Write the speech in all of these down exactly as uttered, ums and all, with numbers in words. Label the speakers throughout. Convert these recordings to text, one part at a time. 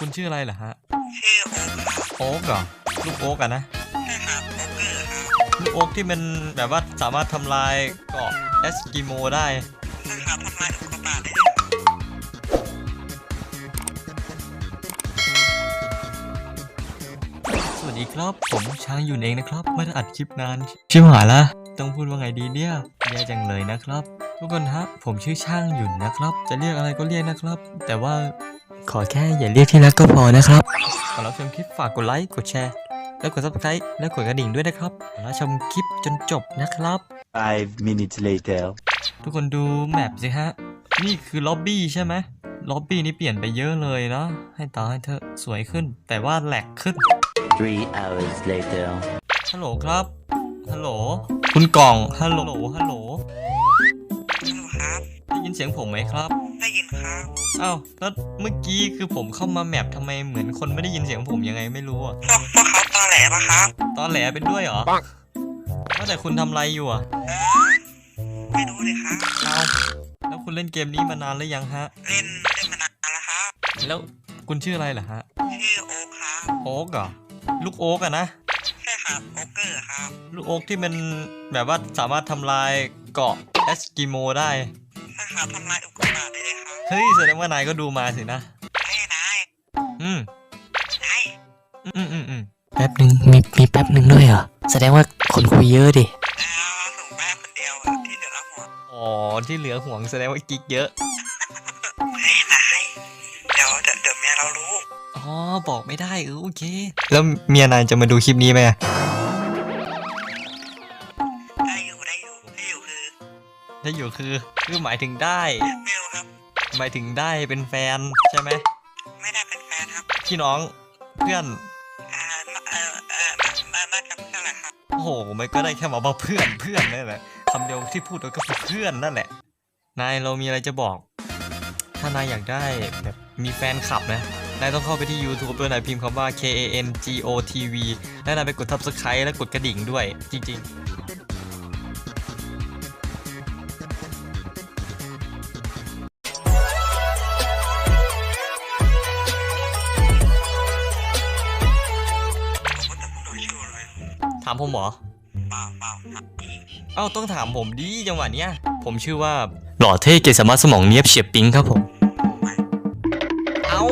Speaker 1: คุณชื่ออะไรเหรอฮะ
Speaker 2: ชื่อโอ๊คครับ
Speaker 1: โอ๊กเหรอลูกโอ๊กอะนะ
Speaker 2: ใช่ครับโอ๊คเกอร์ครับ
Speaker 1: ลูกโอ๊กที่มันแบบว่าสามารถทำลายเกาะเอสกิโมได้
Speaker 2: ใช่ครับทำลายอุกกาบาตได้เลย
Speaker 1: สวัสดีครับผมช้างอยู่เองนะครับไม่ได้อัดคลิปนานชิบหายละต้องพูดว่าไงดีเนี่ยแย่จังเลยนะครับทุกคนฮะผมชื่อช่างหยุ่นนะครับจะเรียกอะไรก็เรียกนะครับแต่ว่าขอแค่อย่าเรียกที่รักก็พอนะครับก่อนรับชมคลิปฝากกดไลค์กดแชร์แล้วกด ซับสไครบ์ และกดกระดิ่งด้วยนะครับแล้วชมคลิปจนจบนะครับ
Speaker 3: Five minutes later
Speaker 1: ทุกคนดูแมปสิฮะนี่คือล็อบบี้ใช่ไหมล็อบบี้นี้เปลี่ยนไปเยอะเลยเนาะให้ตาให้เธอสวยขึ้นแต่ว่าแหลกขึ้น
Speaker 3: Three hours later
Speaker 1: ฮัลโหลครับฮัลโหลคุณกล่องฮัลโหลฮัลโหล
Speaker 2: ฮัลโหลครับ
Speaker 1: ได้ยินเสียงผมไหมครับ
Speaker 2: ได้ยินครับ
Speaker 1: อ้าวแล้วเมื่อกี้คือผมเข้ามาแมปทำไมเหมือนคนไม่ได้ยินเสียงผมยังไงไม่รู้อะ
Speaker 2: พวกพวกเขาตอแหลปะครับ
Speaker 1: ตอนแหลเป็นด้วยเหรอว่าแต่คุณทำอะไรอยู่อะ
Speaker 2: ไม่รู้เลยครับ
Speaker 1: เอาแล้วคุณเล่นเกมนี้มานานหรือยังฮะ
Speaker 2: เล่นเล่นมานานแล้วครับ
Speaker 1: แล้วคุณชื่ออะไรเหรอฮะ
Speaker 2: ชื่อโอ๊คครับ
Speaker 1: โอ๊กเหรอลูกโอ๊กอะนะ
Speaker 2: ใช่ครับโอ๊คเกอร์ครับ
Speaker 1: ลูกโอ๊กที่มันแบบว่าสามารถทำลายเกาะเอสกิโมได้
Speaker 2: ใช่ครับทำลายอุกกาบาตได้เลยครับ
Speaker 1: เฮ้ยแสดงว่านายก็ดูมาสินะ
Speaker 2: ไอ้นาย
Speaker 1: อืม
Speaker 2: นาย
Speaker 1: อืมอืมอืม
Speaker 4: แป๊บหนึ่งมีมีแป๊บหนึ่งด้วยเหรอแสดงว่าคนคุยเยอะดิ
Speaker 2: เอาส่งแม่คนเดียวอะที่เหลือละหัว
Speaker 1: อ๋อที่เหลือห่วงแสดงว่ากิ๊กเยอะ
Speaker 2: ไอ้นายเดี๋ยวเดี๋ยวเดี๋ยวเมียเรารู้
Speaker 1: อ๋อบอกไม่ได้เออโอเคแล้วเมียนายจะมาดูคลิปนี้ไหม
Speaker 2: ได้อยู่ได้อยู่ได้อยู่คือ
Speaker 1: ได้อยู่คือคือหมายถึงได้
Speaker 2: ไม่รู้ครับ
Speaker 1: หมายถึงได้เป็นแฟนใช่ไหม
Speaker 2: ไม่ได้เป็นแฟนครับ
Speaker 1: พี่น้องเพื่อน
Speaker 2: อ่าเออเออน่าน่าจะเพื่อนแหละครับ
Speaker 1: โอ้โหมันก็ได้แค่มาบอกเพื่อนเพื่อนนั่นแหละคำเดียวที่พูดก็คือเพื่อนนั่นแหละนายเรามีอะไรจะบอกถ้านายอยากได้แบบมีแฟนคลับนะนายต้องเข้าไปที่ YouTube ด้วยนายพิมพ์คำว่า K A N G O T V และนายไปกด ซับสไครบ์ และกดกระดิ่งด้วยจริงๆถามผมเหรอ
Speaker 2: เปล่าเปล่าครับ
Speaker 1: เอ้าต้องถามผมดิจังหวะเนี้ยผมชื่อว่าหล่อเท่เกสามารถสมองเนียบเฉียบปิ๊งครับผมเอ้า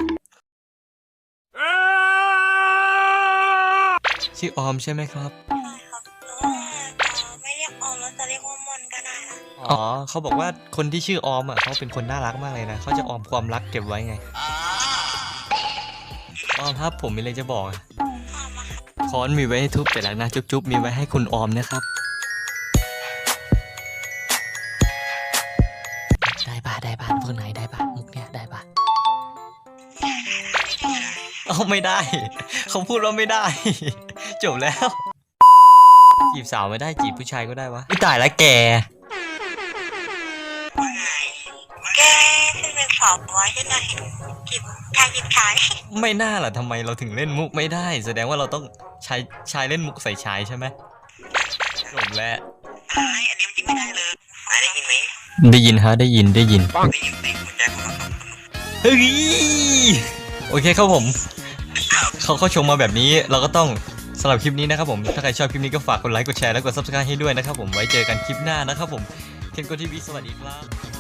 Speaker 1: ชื่อออมใช่ไหมครับ
Speaker 2: ใช่ครับแต่ว่าไม่เรียกออมแล้วจะเรียกว่ามนก็ได้นะ
Speaker 1: อ๋อเขาบอกว่าคนที่ชื่อออมอ่ะเขาเป็นคนน่ารักมากเลยนะเขาจะออมความรักเก็บไว้ไงออมครับผมมีอะไรจะบอกค้อนมีไว้ให้ทุบแต่ละนะจุ๊บๆมีไว้ให้คุณออมนะครับ
Speaker 4: ได้ป่ะได้ป่ะพวกไหนได้ป่ะมุกเนี้ยได้ป่ะ
Speaker 1: เอาไม่ได้เขาพูดว่าไม่ได้จบแล้วจีบสาวไม่ได้จีบผู้ชายก็ได้วะไม่ตายแล้วแก
Speaker 2: ว่าไงแกที่เป็นสาวน้อยที่น่าเห็นกิบชายกิบชาย
Speaker 1: ไม่น่าล่ะทำไมเราถึงเล่นมุกไม่ได้แสดงว่าเราต้องชายชายเล่นมุกใส่ชายใช่ไหมจบแล้ว
Speaker 2: ไอ้อันนี้มันยิงไม่ได้เลยนายได้ยินไหม
Speaker 1: ได้ยินฮะได้ยินได้ยิน
Speaker 2: ได้ยินในหัวใจของเรา
Speaker 1: เฮ้ยโอเคครับผมเขาเขาชมมาแบบนี้เราก็ต้องสำหรับคลิปนี้นะครับผมถ้าใครชอบคลิปนี้ก็ฝากกดไลค์กดแชร์และกด ซับสไครบ์ ให้ด้วยนะครับผมไว้เจอกันคลิปหน้านะครับผมเคนโกทีวีสวัสดีครับ